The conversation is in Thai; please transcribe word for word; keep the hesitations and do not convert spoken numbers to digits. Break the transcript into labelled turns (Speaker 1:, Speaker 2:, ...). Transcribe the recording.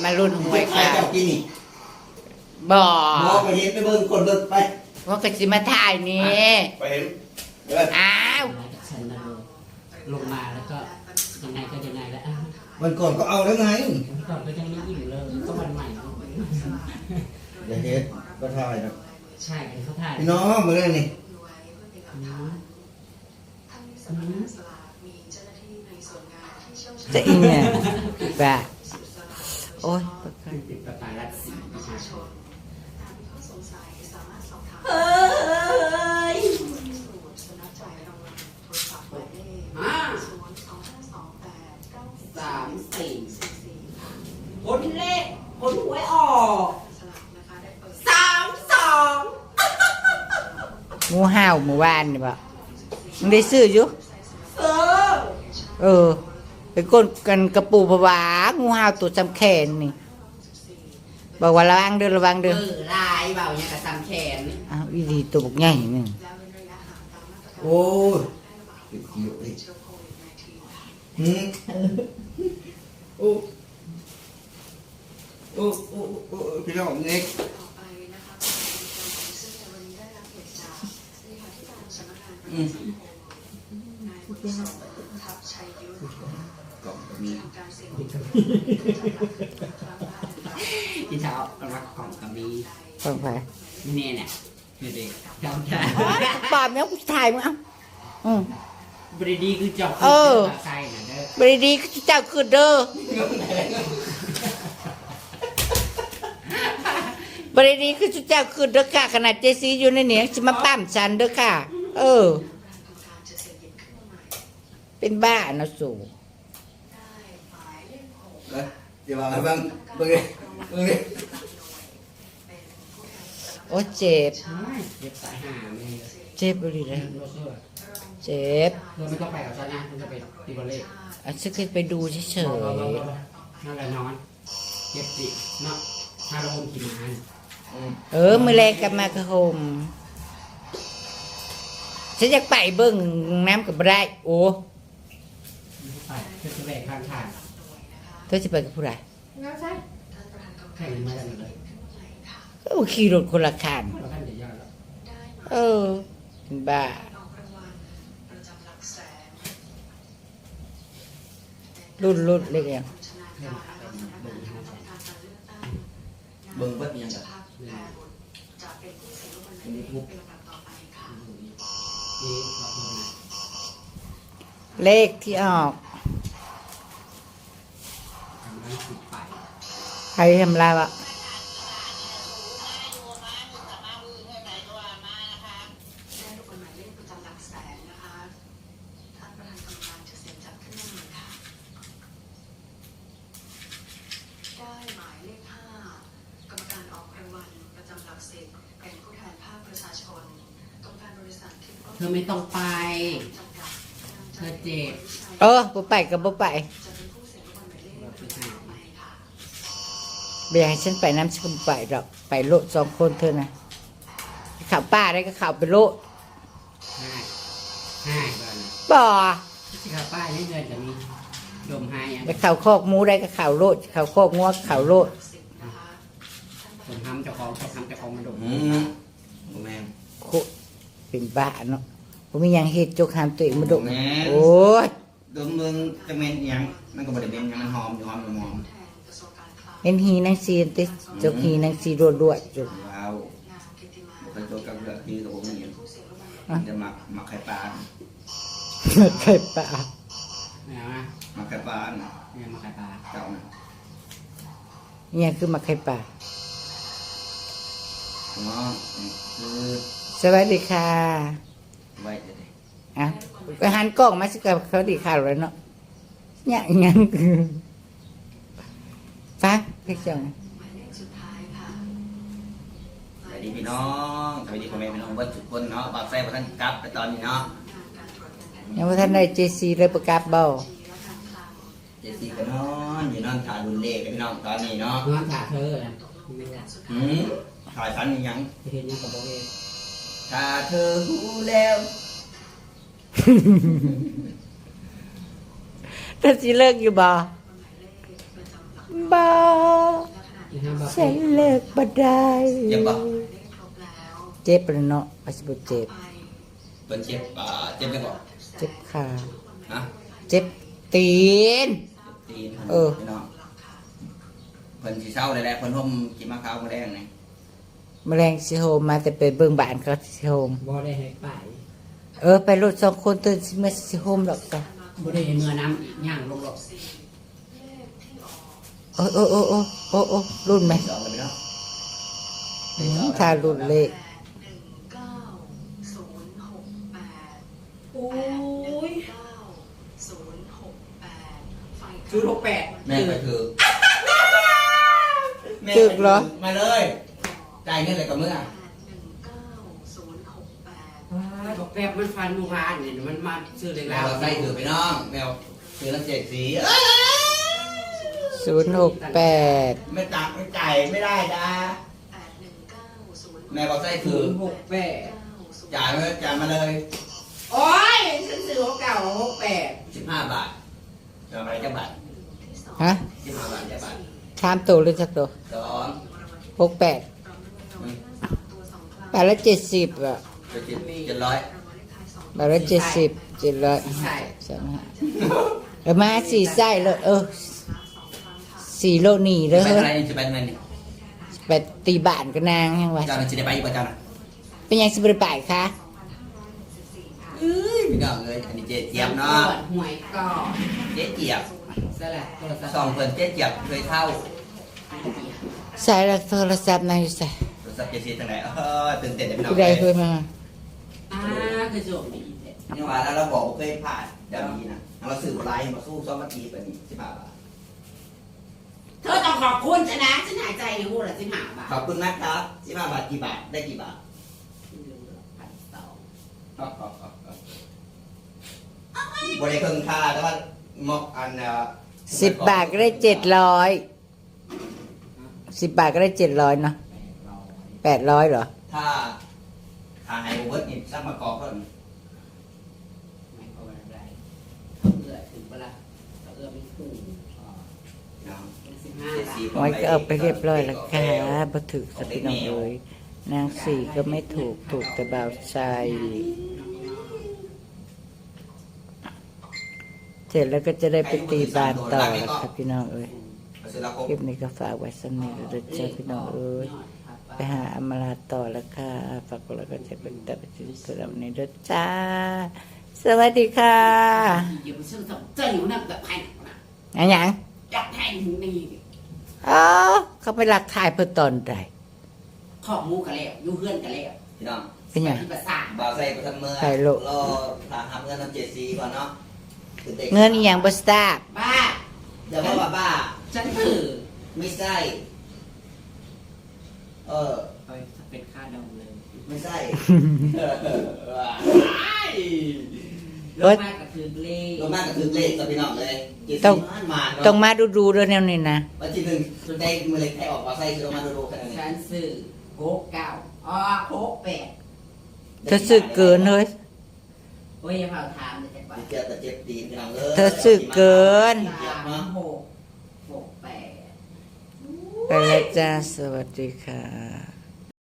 Speaker 1: มารุ่นหวยค่ะ
Speaker 2: เจ้ากินนี่
Speaker 1: บ่
Speaker 2: มองไปเห็นไปเบิ่งคนเบิ่งไป
Speaker 1: ว่าก็สิมาถ่ายนี่
Speaker 2: ไปเห็นเออ
Speaker 1: อ้าว
Speaker 3: ฉันลงมาแล้วก็ยังไงก็ยังไงแล้ว
Speaker 2: วันก่อนก็เอาแล้วไง
Speaker 3: ก่อนก็ยังไม่อิ่มเลยก็วันใหม่
Speaker 2: เดี๋ยวเฮ็ดก็ถ่ายนะ
Speaker 3: ใช่เขาถ่าย
Speaker 2: พี่น้องมาเล่นนี่
Speaker 1: จะอีเนี่ยบ่าโอ้ย
Speaker 3: ติดประกาศรัฐสีประชาชน
Speaker 1: เฮ้ย
Speaker 3: ห้าสามสี่คนเลขคนหวยออกสามสอง
Speaker 1: งูห่าวเมื่อวานนี่บ่มึงได้ซื้ออยู่
Speaker 3: เออ
Speaker 1: เออไปก้นกันกระปูผวางูห่าวตัวจำแขนนี่บอกว่าระวังเด้อระวัง
Speaker 3: เอ
Speaker 1: เด้อ
Speaker 3: อลายเบาเนี่ยกระซำแขน
Speaker 1: อ้าวอีดีตัวบกใหญ่หนึ่ง
Speaker 2: โอ้ยติดอยู่อีกหืมโอ้โอ้โอ้โอ้พี่น้องเน็กอืมกล่องก็มี
Speaker 3: ที่เช้ารักของกระบี
Speaker 1: ฟังไป
Speaker 3: เนี่ยเนี่ยคือเด็กเจ้าชาย
Speaker 1: ปอบเนี่ยกูถ่ายมึงเอ้าอืม
Speaker 3: บริดีคือจบ
Speaker 1: เออ
Speaker 3: ใส่นะเด้อบ
Speaker 1: ริดีเจ้าคือเด้อบริดีคือเจ้าคือเด้อค่ะขนาดเจซีอยู่ในเหนียงจะมาปั้มฉันเด้อค่ะ เออ เป็นบ้านะสู
Speaker 2: เอ้ยเดี๋ยวมาบ้างเบิ่งดิเบิ่งดิ
Speaker 1: โอ้เจ็บ
Speaker 3: เด็กสายหาไม่เลย
Speaker 1: เจ็บบริเลย
Speaker 3: โรเซอร์
Speaker 1: เจ็บ
Speaker 3: เราไม่ต้องไปกับฉันนะมันจะไปตีบอลเล่
Speaker 1: อ่ะฉันเคยไปดูเฉย
Speaker 3: นั่นแหละนอนเจ็บจิเนาะถ้าเราอมกินอาหาร
Speaker 2: อืม
Speaker 1: ๆเออมือแรงกลับมากระโฮมฉันอยากไปเบิ่งน้ำกับไรโอ้
Speaker 3: ไปเพื่อจะแบกข้างทาง
Speaker 1: เธอจะไปกับผู้ใด
Speaker 3: แข่งมากันเลย
Speaker 1: ก็ขี่รถคนละคัน
Speaker 3: เราท่านจะยอดแล้ว
Speaker 1: เออเป็นบ้ารุ่นรุ่นเล็กยัง
Speaker 2: เบิ่งเบิดยังกับนี่ทุบ
Speaker 3: นี่เราดูนะ
Speaker 1: เลขที่ออก
Speaker 3: ทำนั้นสิบไป
Speaker 1: ใครทำลายวะ
Speaker 4: ได้หมายเลขห้ากรรมการออกรางวัลประจำหลักสิบเป็นผู้แทนภาคประชาชนกรรมการบริษัททิพย์
Speaker 3: เธอไม่ต้องไป
Speaker 4: จำกัด
Speaker 3: เธอเจ็บ
Speaker 1: เออบ่ไปกับบ่ไป
Speaker 4: จะเป็นผู้เสียรางวัลหมายเลข
Speaker 3: เราไปหา
Speaker 4: ไปค่ะ
Speaker 1: เบียให้ฉันไปน้ำฉันก็บ่ไปหรอกไปโลดสองคนเธอนะข่าวป้าได้ก็ข่าวไปโลด
Speaker 3: ห้าห้าบ้าน
Speaker 1: บ่
Speaker 3: ที่เขาป้ายนี่เงินจะมีดมหายยัง
Speaker 1: ไปข่าวคอกหมูได้ก็ข่าวโลดข่าวคอกงัวก็ข่าวโลด
Speaker 3: ผมทำเจ้าของเขาทำเจ้าของมาดม
Speaker 2: อืมบ่แม่น
Speaker 1: โคเป็นบ้าเนาะผมมีหยังเฮ็ดจกหามตัวเองมาดม
Speaker 2: แม่
Speaker 1: โอ้ย
Speaker 2: ดมมึงจะเม็นอิหยังมันก็บ่ได้เม็นอิหยังมันหอมอยู่หอมอยู่หอม
Speaker 1: เห็นหีนางซีนติจกหีนางซีรัวด้วยจก
Speaker 2: ว้าวบ่เคยตัวกับเรื่องที่ตัวผมเห็นจะมักมักไข่ปลา
Speaker 1: ไข่ปลา
Speaker 3: เนี่ยนะ
Speaker 2: มักไข่ปลาน่ะ
Speaker 3: เนี่ยมาขายปลา
Speaker 2: เจ้าน่ะ
Speaker 1: เนี่ยคือมาไข่ปลา
Speaker 2: เนาะนี่คือ
Speaker 1: สวัสดีค่ะ
Speaker 2: ไว้เดี๋ยว
Speaker 1: อ่ะไปหันกล้องมาสิกับเขาดีข่าวแล้วเนาะเนี่ยอีหยังคือฟังเพลงจัง
Speaker 2: สวัสดีพี่น้องสวัสดีพ่อแม่พี่น้องเบิดทุกคนเนาะบ่าวแซ่บ่ทันกลับไปตอนนี้เนาะ
Speaker 1: ยังว่าท่านได้เจซีเลยประกาศเบา
Speaker 2: เจสซี่ก็นอนอยู่นอนถ่ายรุ่นเลขกับพี่น้องตอนนี้เนาะ
Speaker 3: น้องถ่าเธอนะ
Speaker 2: หืมถ่ายฝันอีหยัง
Speaker 3: เห็นยังกับโบเอ
Speaker 2: ถ้าเธอรู้แล้ว
Speaker 1: ท่านสิเลิกอยู่บ่บ่ฉันเลิกบ่ได้
Speaker 2: เจ็บปะ
Speaker 1: เจ็บเลยเนาะอาจจะบ่เจ็บ
Speaker 2: เป็นเจ็บอ่าเจ็บยังบ่
Speaker 1: เจ็บขา
Speaker 2: ฮะ
Speaker 1: เจ็บตีน
Speaker 2: ตีน
Speaker 1: เออ
Speaker 2: พี่น้องเพิ่นสิเศร้าเลยแหละเพิ่นห่มกินมะขาวมาแดงนี่
Speaker 1: แมลงสิโฮมมาแต่ไปเบิ่งบ้านเขาสิโฮม
Speaker 5: บ่ได้ให้ไป
Speaker 1: เออไปรถสองคนตื่นสิมาสิโฮมดอกจ้ะ
Speaker 5: บ่ได้ให้เมื่อน้ำอีกย่างลงหรอก
Speaker 1: โอ้โอ้โอ้โอ้โอ้โอ้รุ่นไหม
Speaker 2: สองเลยพี่น้อง
Speaker 1: อืมถ้ารุ่นเลข
Speaker 4: หนึ่งเก้าศูนย์หกแปด
Speaker 3: โอ้ย
Speaker 4: เก้าศูนย์หกแปดไฟ
Speaker 5: ศูนย์หกแปด
Speaker 2: แม่ไปถือแม่
Speaker 1: จึกเหรอ
Speaker 2: มาเลยจ่ายเงินเลยกับเมื่อ
Speaker 4: หนึ่งเก้าศูนย์หกแปด
Speaker 5: บอกแป๊บมันฟันลูกหลานนี่มันมาซื้อเล็ก
Speaker 2: แม
Speaker 5: แล้ว ว
Speaker 2: ใส่ถือพี่น้องแมวถือน้ำเจ็ดสี
Speaker 1: ศูนย์หกแปด
Speaker 2: ไม่ตักไม่จ่ายไม่ได้จ้า
Speaker 4: แปดหนึ่งเก้าศูนย์
Speaker 2: แม่บอกใส่ถื
Speaker 5: ศู
Speaker 2: อน
Speaker 5: ย์หกแปด
Speaker 2: จ่ายมาจ่ายมาเลย
Speaker 5: โอ้ยฉันซื้อของเก่าหกแปด
Speaker 2: สิบห้าบาทจะเอาไปจะบาท
Speaker 1: ฮะ
Speaker 2: สิบห้าบาทจะบาท
Speaker 1: สามตัวหรือสักตัว
Speaker 2: สอง
Speaker 1: หกแปดบาทละเจ็ดสิบอ่ะ
Speaker 2: จะเจ็ดเจ็ดร้อย
Speaker 1: บาทละเจ็ดสิบเจ็ดร้อย
Speaker 5: ใช่
Speaker 1: สามห้าเออมาสี่ไส้เลยเออสี่โลนี่เล
Speaker 2: จะ
Speaker 1: ย
Speaker 2: ไป
Speaker 1: เฮ้
Speaker 2: อะไร
Speaker 1: ย
Speaker 2: นี่จะไปทำไมนี่
Speaker 1: ไปตีบ้านกันนางยังวะ
Speaker 2: เจ้าน่ะจะได้ไปอยู่ป่ะเจ้าน่ะ
Speaker 1: เป็นยังสิบริไปคะ
Speaker 2: เอ้ยพี่น้องเลยอันนี้เจ๊เจี๊ยบเนาะ
Speaker 5: ตรวจหวยก่อน
Speaker 2: เจ๊เจี๊ยบ
Speaker 5: สลัดโทรศัพท์
Speaker 2: สองเพิ่นเจ๊เจี๊ยบเคยเข้า
Speaker 1: ใส่ละโทรศัพท์นายใส่
Speaker 2: โทรศัพท์เจซีทางไหนเออตื่นเต้นเลยพี่น้อง
Speaker 1: ผู้ใดเคยมา
Speaker 5: อ่าคือโจมดีแต่
Speaker 2: นี่ว่าแล้วเราบอกว่าเคยผ่านเดี๋ยวนี้นะเราสื่อไลน์มาสู้ซ้อมมาทีแบบนี้สิบห้าบาท
Speaker 5: เธอต้องขอบคุณฉันนะฉันหายใจในหูละสิหาบาท
Speaker 2: ขอบคุณนะครับสิบห้าบาทกี่บาทได้กี่บาท
Speaker 5: พันสอง
Speaker 2: บริเคิงค่าแต่ว่ามอกอันเอ่อ
Speaker 1: สิบบาทก็ได้เจ็ดร้อยสิบบาทก็ได้เจ็ดร้อยเนาะแปดร้อยเหรอ
Speaker 2: ถ้าถ้าไฮโอเวิร์ดนี่สร้างมากอกเพิ่ม
Speaker 5: ไม่เอาอะไรเขาเอื้อถึงเวลาเขาเอื้อไม่ถูก
Speaker 2: น้อง
Speaker 5: เป็นสิบห้า
Speaker 2: เจ็ด
Speaker 5: บาท
Speaker 2: สี่
Speaker 1: ไว้ก็เอาไปเรียบร้อยแล้วค่ะบ่ถือสักพี่น้องเลยนางสี่ก็ไม่ถูกถูกแต่บ่าวใจเสร็จแล้วก็จะได้ไปตีบานต่อแล้วค่ะพี่น้องเอ้ย
Speaker 2: เสร็จแล้วก็
Speaker 1: คลิปนี้ก็ฝากไว้สำนีแล้วเด้อจ้าพี่น้องเอ้ยไปหาอมราต่อแล้วค่ะฝากกดไลค์กดแชร์กดติดตามไปที่สำหรับนี้เด้อจ้า สวัสดีค่ะ
Speaker 5: อยู่ซึ่งเจ้าอยู่นั่นแบบแพงนะ
Speaker 1: อันหยัง
Speaker 5: อยากแพงนี่
Speaker 1: อ๋อเขาไปหลักถ่ายเพื่อตอนใด
Speaker 5: ขอบมูกันแล้วอยู่เพื่อนกันแล้ว
Speaker 2: พี่น้อง
Speaker 1: เป็นหยัง
Speaker 5: ที่ภาษา
Speaker 2: บ่าวใส่ไปทำเมื่อ
Speaker 1: ใส่โล
Speaker 2: รอถามหาเงินน้ำเจ็ดซีก่อนเนาะตื่ต้
Speaker 1: เงินอีหยังบ่ทราบ
Speaker 5: บ้า
Speaker 2: อย่าว่าบ้าบ้า
Speaker 5: ฉันถือ
Speaker 2: ไม่ใช่เออ
Speaker 5: ไปเป็นค่าดองเลย
Speaker 2: ไม่ใช่
Speaker 5: ลงมากกับถือเลข
Speaker 2: รถมากกระทึกเลขกับพี่น้องเลยเจ็ด
Speaker 1: ต้
Speaker 2: สิ
Speaker 1: อง
Speaker 2: บห้ามาเนาะ
Speaker 1: ต้องมาดูดูๆด้วยแนวนี้นะ
Speaker 2: วันที่หนึ่งสุดได้มือเล็กให้ออกมาใส่คือเอามาดูๆแค่นั้นเอ
Speaker 5: ฉั
Speaker 2: ง
Speaker 5: นซื้อโคกเก้าอ๋อโคกแปด
Speaker 1: เธอซื้อเกินเฮ้ย
Speaker 5: โอ้ยอย่าเผาถามเลยจังหวะ
Speaker 2: เจ็บแต่เจ็บตีนพี่น้องเลย
Speaker 1: เธอซื้อเกิน
Speaker 5: สามหกหกแปด
Speaker 1: ไปแล้วจ้า สวัสดีค่ะ